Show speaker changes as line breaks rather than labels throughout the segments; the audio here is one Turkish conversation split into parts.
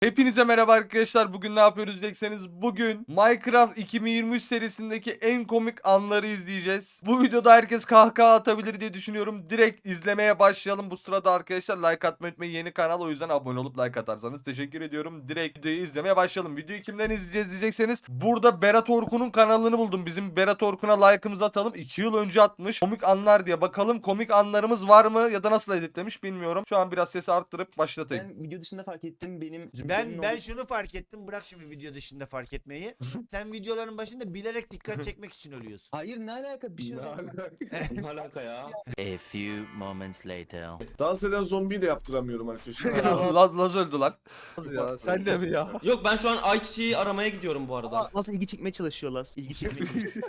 Hepinize merhaba arkadaşlar. Bugün ne yapıyoruz diyecekseniz bugün Minecraft 2023 serisindeki en komik anları izleyeceğiz. Bu videoda herkes kahkaha atabilir diye düşünüyorum. Direkt izlemeye başlayalım. Bu sırada arkadaşlar like atmayı unutmayın. Yeni kanal, o yüzden abone olup like atarsanız teşekkür ediyorum. Direkt videoyu izlemeye başlayalım. Videoyu kimden izleyeceğiz diyecekseniz burada Berat Orkun'un kanalını buldum. Bizim Berat Orkun'a like'ımızı atalım. 2 yıl önce atmış. Komik anlar diye. Bakalım komik anlarımız var mı ya da nasıl editlemiş bilmiyorum. Şu an biraz sesi arttırıp başlatayım.
Ben video dışında fark ettim benim
Ben şunu fark ettim. Bırak şimdi video dışında fark etmeyi. Sen videoların başında bilerek dikkat çekmek için ölüyorsun.
Hayır ne alaka bir şey yok.
Ne alaka ya?
A few moments later.
Dans eden zombiyi de yaptıramıyorum arkadaşlar.
Laz öldü lan.
Ya,
sen de mi ya?
Yok ben şu an ayçiçeği aramaya gidiyorum bu arada.
Nasıl ilgi çekmeye çalışıyor Las? İlgi çekmeye çalışıyor.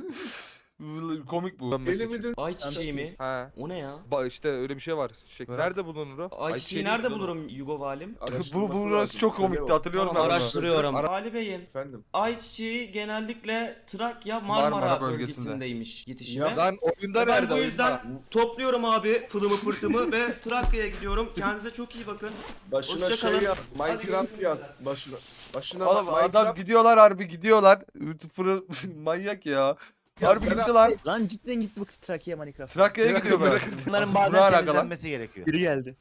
Komik bu.
Deli midir?
Ayçiçeği mi?
He.
O ne ya?
İşte öyle bir şey var. Nerede bulunur o?
Ayçiçeği nerede bulurum Yugo Valim?
Bu burası çok komikti, hatırlıyorum ben
Tamam,
bunu.
araştırıyorum.
Ara-
Vali Bey'in
Efendim.
ayçiçeği genellikle Trakya
Marmara
Marmara
bölgesinde.
bölgesindeymiş yetişime.
Ya
Lan oyunda
Ben
nerede?
bu
oyunda?
yüzden topluyorum abi pılımı pırtımı ve Trakya'ya gidiyorum. Kendinize çok iyi bakın.
başına
Hoşça
şey
kalın.
yaz. Minecraft
görüşürüz.
yaz. Başına
Oğlum adam
Minecraft
gidiyorlar harbi gidiyorlar. Manyak ya. Harbi
Berat-
gitti lan.
Lan cidden gitti bak Trakya Minecraft.
Trakya'ya gidiyor Berat.
Bunların
Ne
bazen
alaka lan?
temizlenmesi gerekiyor.
Biri geldi.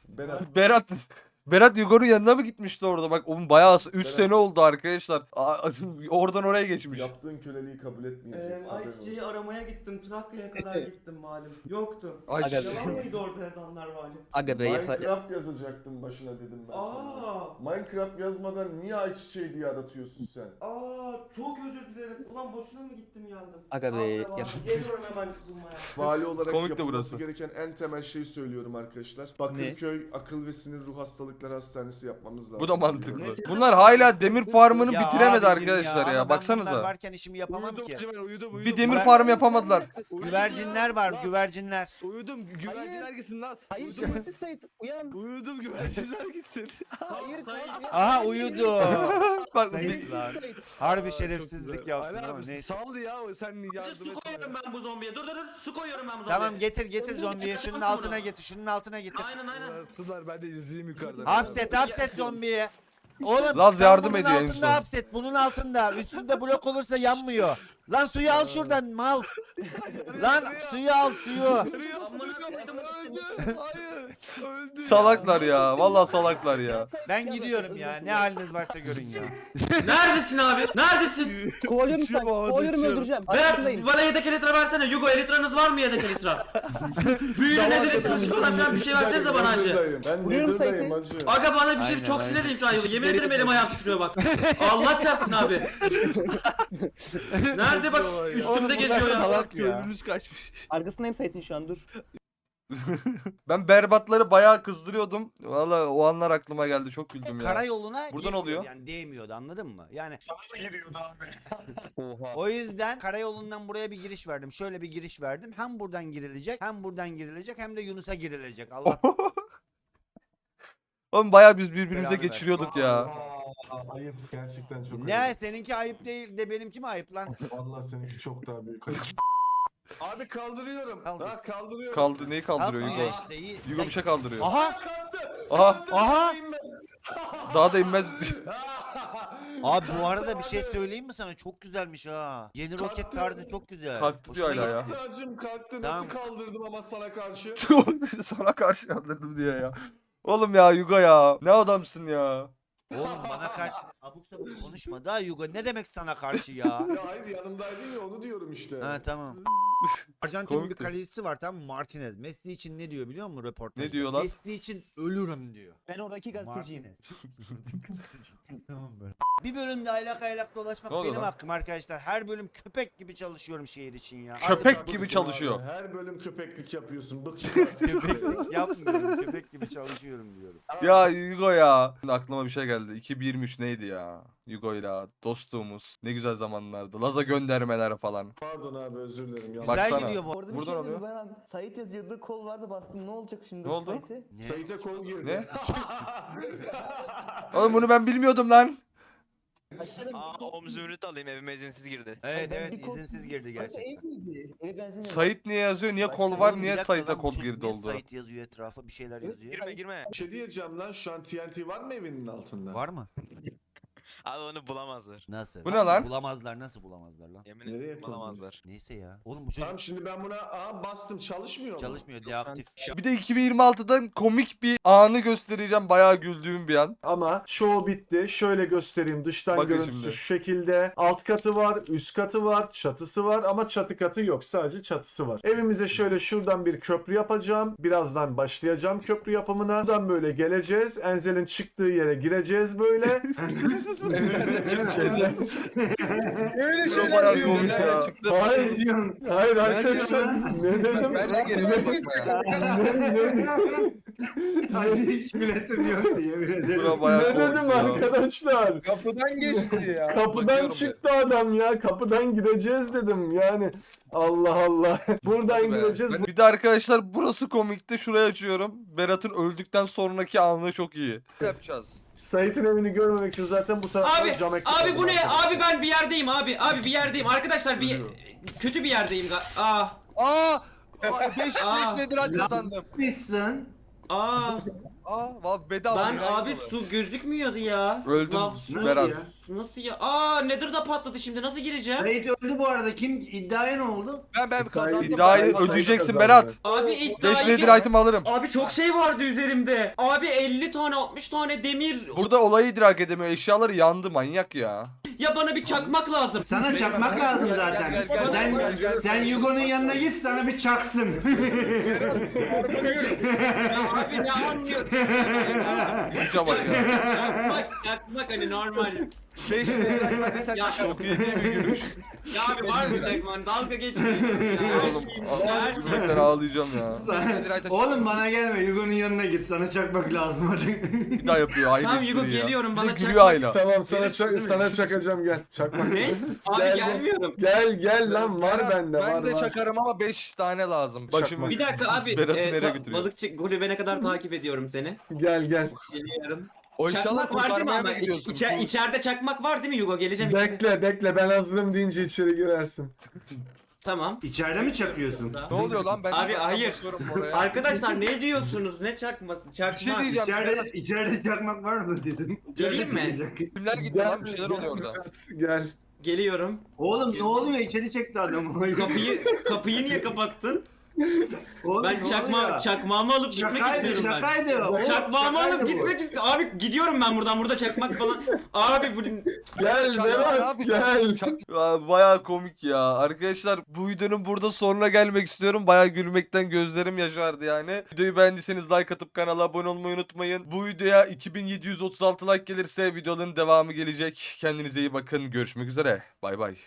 Berat Yugo'nun yanına mı gitmişti orada? Bak onun bayağı 3
Berat.
sene oldu arkadaşlar. Oradan oraya geçmiş.
yaptığın köleliği kabul etmeyeceksin. haberin
Ayçiçeği
olsun.
aramaya gittim. Trakya'ya kadar gittim Valim. Yoktu.
Ay,
Aga be.
Yalan mıydı orada yazanlar Valim?
Aga be yapar.
Minecraft yazacaktın başına dedim ben sana.
Aa.
Minecraft yazmadan niye ayçiçeği diye aratıyorsun sen?
Çok özür dilerim. Ulan boşuna mı gittim geldim?
Aga be,
Allah
yap.
Geliyorum hemen bulmaya.
Vali olarak
Komik de
yapılması
burası.
gereken en temel şeyi söylüyorum arkadaşlar. Bakırköy Akıl ve Sinir Ruh Hastalıkları Hastanesi yapmamız lazım.
Bu da mantıklı. Bunlar hala demir farmını
Ya
bitiremedi
abicim
arkadaşlar
ama
ya.
ben bunlar
Baksanıza.
varken işimi yapamam ki.
Uyudum.
Bir demir farm yapamadılar.
Güvercinler var, güvercinler.
Uyudum. Güvercinler gitsin lan.
Hayır
Uyudum.
şerefsiz Sait uyan.
Uyudum güvercinler gitsin.
Hayır kalk uyan.
Aha uyudu.
Bak
Sayın lan. Harbi şerefsizlik yaptın
Ali
ama
abi
neyse.
sal ya sen yardım
Su
et.
koyuyorum ben bu zombiye. Dur su koyuyorum ben bu zombiye.
Tamam getir zombiyi. Şunun altına getir. Şunun altına getir.
Aynen.
Sınlar ben de izleyeyim yukarıdan.
Hapset zombiyi. Oğlum
Laz
sen
yardım
bunun
ediyor en son.
altında hapset. Bunun altında. Üstünde blok olursa yanmıyor. Lan suyu al şuradan mal. Lan suyu al suyu.
Amına koydum.
Öldü. Hayır. Öldü.
Salaklar ya. Vallahi salaklar ya.
Ben gidiyorum ya. Ne haliniz varsa görün ya.
Neredesin abi? Neredesin?
Kovalıyorum sen. Kovalıyorum öldüreceğim.
Berat
Arkasındayım.
bana yedek elitre versene. Yugo elitranız var mı yedek elitre? Büyüğüne nedir elitre falan filan bir şey versenize bana hacı.
Ben
Vuruyorum
Nether'dayım
Sait'i.
hacı.
Aga bana bir şey
Aynen,
çok
aynen.
sinirliyim şu an. Yemin ederim elim ayağım titriyor bak. Allah çarpsın abi. Nerede bak üstümde geziyor ya.
Salak ya.
Gönlünüz kaçmış.
Arkasındayım Sait'in şu an dur.
Ben berbatları bayağı kızdırıyordum. Vallahi o anlar aklıma geldi. Çok güldüm ya.
Karayoluna
Buradan
girmiyordu
oluyor.
yani değmiyordu anladın mı? Yani
Oha.
o yüzden karayolundan buraya bir giriş verdim. Şöyle bir giriş verdim. Hem buradan girilecek hem de Yunus'a girilecek. Allah
Oğlum bayağı biz birbirimize
Belanı
geçiriyorduk ya.
Ayıp gerçekten çok
ne
ayıp.
seninki ayıp değil de benimki mi ayıp lan?
Vallahi seninki çok daha büyük ayıp.
Abi kaldırıyorum.
Kaldır.
Ha kaldırıyorum.
Neyi kaldırıyor
Kalkmıyor
Yugo?
işte iyi.
Yugo bir şey kaldırıyor.
Aha!
Aha.
Aha!
Daha da inmez.
Abi bu arada bir şey söyleyeyim mi sana? Çok güzelmiş ha. Yeni roket tarzı çok güzel.
Kalktı diyor
Hoşuma
hala ya.
gitti.
Tacım kalktı.
Tamam.
Nasıl kaldırdım ama sana karşı.
Sana karşı yandırdım diye ya. Oğlum ya Yugo ya. Ne adamsın ya.
Oğlum bana karşı abuk sabuk konuşma da Yugo. Ne demek sana karşı ya?
Ya hayır yanımdaydın ya onu diyorum işte.
Ha tamam. Arjantin bir
Komikti.
kalecisi var tamam mı? Martinez. Messi için ne diyor biliyor musun röportajda?
Ne diyor lan?
Messi için ölürüm diyor.
Ben oradaki gazeteciyim.
Martinez. Tamam böyle. Bir bölümde aylak dolaşmak
Ne oldu
benim
lan?
hakkım arkadaşlar. Her bölüm köpek gibi çalışıyorum şehir için ya.
Köpek
Artık
gibi
bıktım
çalışıyor.
abi. Her bölüm köpeklik yapıyorsun. Bıktım artık.
Köpeklik yapmıyorum. Köpek gibi çalışıyorum diyorum.
Ya Yugo ya. Aklıma bir şey geldi. 2023 neydi ya? Yugo'yla dostluğumuz. Ne güzel zamanlardı. Laza göndermeler falan.
Pardon abi özür dilerim.
Güzel
Baksana.
gidiyor bu.
Orada bir
Buradan
şey
alıyor.
yazıyordu ben Sait yazıyordu kol vardı bastım ne olacak şimdi
Ne oldu?
Sait'e?
Ne?
Sait'e kol girdi.
Ne? Oğlum bunu ben bilmiyordum lan.
Om zümrüt alayım, evime izinsiz girdi.
Evet
Ben
evet
bir kol-
izinsiz girdi
Kanka ev
gerçekten.
miydi? Eve benzin mi?
Sait niye yazıyor? Niye kol var?
Oğlum, bir
Niye
dakika
Sait'e
lan, bu
kol
çocuk
girdi
niye
oldu?
Sait yazıyor etrafa bir şeyler yazıyor.
Girme.
Bir şey diyeceğim lan, şu an TNT var mı evinin altında?
Var mı?
Abi onu bulamazlar.
Nasıl?
Bu ne lan?
Bulamazlar, nasıl bulamazlar lan?
Yemin
Nereye
ederim bulamazlar.
Neyse ya. Oğlum bu çocuk
Tamam şimdi ben buna bastım, çalışmıyor mu?
çalışmıyor, deaktif.
Bir de 2026'dan komik bir anı göstereceğim. Bayağı güldüğüm bir an.
Ama çoğu bitti. Şöyle göstereyim. Dıştan
Bakın
görüntüsü
şimdi.
şu şekilde. Alt katı var, üst katı var, çatısı var ama çatı katı yok. Sadece çatısı var. Evimize şöyle şuradan bir köprü yapacağım. Birazdan başlayacağım köprü yapımına. Buradan böyle geleceğiz. Enzel'in çıktığı yere gireceğiz böyle.
Öyle
şeyler diyor ya.
Hayır diyorum. Hayır arkadaşlar. Ne dedim?
Ben de geliyorum bakmaya.
Hayır hiç gülesim yok diye
Buna bayağı
Ne
komik
dedim
ya.
arkadaşlar?
Kapıdan geçti ya.
Kapıdan
Bakıyorum
çıktı adam ya. Kapıdan gireceğiz dedim yani. Allah Allah. Buradan
Be.
gireceğiz.
Bir de arkadaşlar burası komikti. Şurayı açıyorum. Berat'ın öldükten sonraki anı çok iyi. Ne yapacağız?
Sait'in evini görmemek için zaten bu taraftan
Abi,
cam ekmek
abi bu
aldım
ne?
arkadaşlar.
Abi ben bir yerdeyim abi. Abi bir yerdeyim. Arkadaşlar bir kötü bir yerdeyim. Aa.
Aa! 5
Aa.
nedir kazandım.
Yapmışsın.
Aa.
Aa, bedava.
Ben abi su gözükmüyordu ya.
Öldüm
Lav-
Berat.
Nasıl ya? Aa Nether da patladı şimdi. Nasıl gireceğim?
Sait öldü bu arada. Kim iddiaya ne oldu?
Ben kazandım.
İddiayı
İddiayı ödeyeceksin
kazandı.
Berat.
Abi
5
iddiayı
nedir item alırım.
Abi çok şey vardı üzerimde. Abi 50 tane 60 tane demir.
Burada olayı idrak edemiyor. Eşyaları yandı manyak ya.
Ya bana bir çakmak lazım.
Sana çakmak lazım zaten. Sen Yugo'nun yanına git sana bir çaksın.
Ya abi ne anlıyorsun?
Güce bak ya.
Çakmak hani normal.
5 nedir hadi sen
Ya.
çok iyi değil mi gülüş?
Ya abi var mı çakman? Dalga geçmeyin. Ya, her
Oğlum
şeyim,
a-
her şeyim.
gülmekten ağlayacağım ya.
Oğlum bana gelme Yugo'nun yanına git sana çakmak lazım hadi.
Bir daha yapıyor aynı
Tamam Yugo
espriyi ya.
geliyorum
Bir
bana
de gülüyor
çakmak.
hala.
Tamam sana
Benim-
sana çakacağım gel. Çakma.
Ne? Abi
Gel,
gelmiyorum.
Gel lan var
Berat,
bende
ben
var
de
var.
çakarım ama 5 tane lazım. Başımı
Bir dakika abi.
Berat'ı nereye götürüyor?
Balıkçı kulübene kadar takip ediyorum seni.
Gel.
Geliyorum.
O inşallah
Çakmak var değil mi
kurtarmaya
ama?
mı gidiyorsun?
İçeride çakmak var değil mi Yugo? Geleceğim içeri.
Bekle ben hazırım deyince içeri girersin.
Tamam.
İçeride mi çakıyorsun?
Ne oluyor lan? Ben
Abi,
de
hayır.
bakıyorum oraya.
Arkadaşlar ne diyorsunuz? Ne çakması? Çakmak.
Bir şey diyeceğim. Berat,
içeride çakmak var mı dedim.
Geleyim mi?
kimler gitti lan? Bir şeyler oluyor orada.
Gel.
Geliyorum.
Oğlum ne oluyor içeri çekti adamı.
Kapıyı niye kapattın?
Oğlum,
Ben
ne oluyor?
çakmağımı alıp gitmek istiyorum ben.
Şakaydı o.
Çakmağımı
Şakaydı
alıp
bu.
gitmek istiyorum. Abi gidiyorum ben buradan. Burada çakmak falan. Abi bu
Gel Berat gel.
Ya, bayağı komik ya. Arkadaşlar bu videonun burada sonuna gelmek istiyorum. Bayağı gülmekten gözlerim yaşardı yani. Videoyu beğendiyseniz like atıp kanala abone olmayı unutmayın. Bu videoya 2736 like gelirse videoların devamı gelecek. Kendinize iyi bakın. Görüşmek üzere. Bay bay.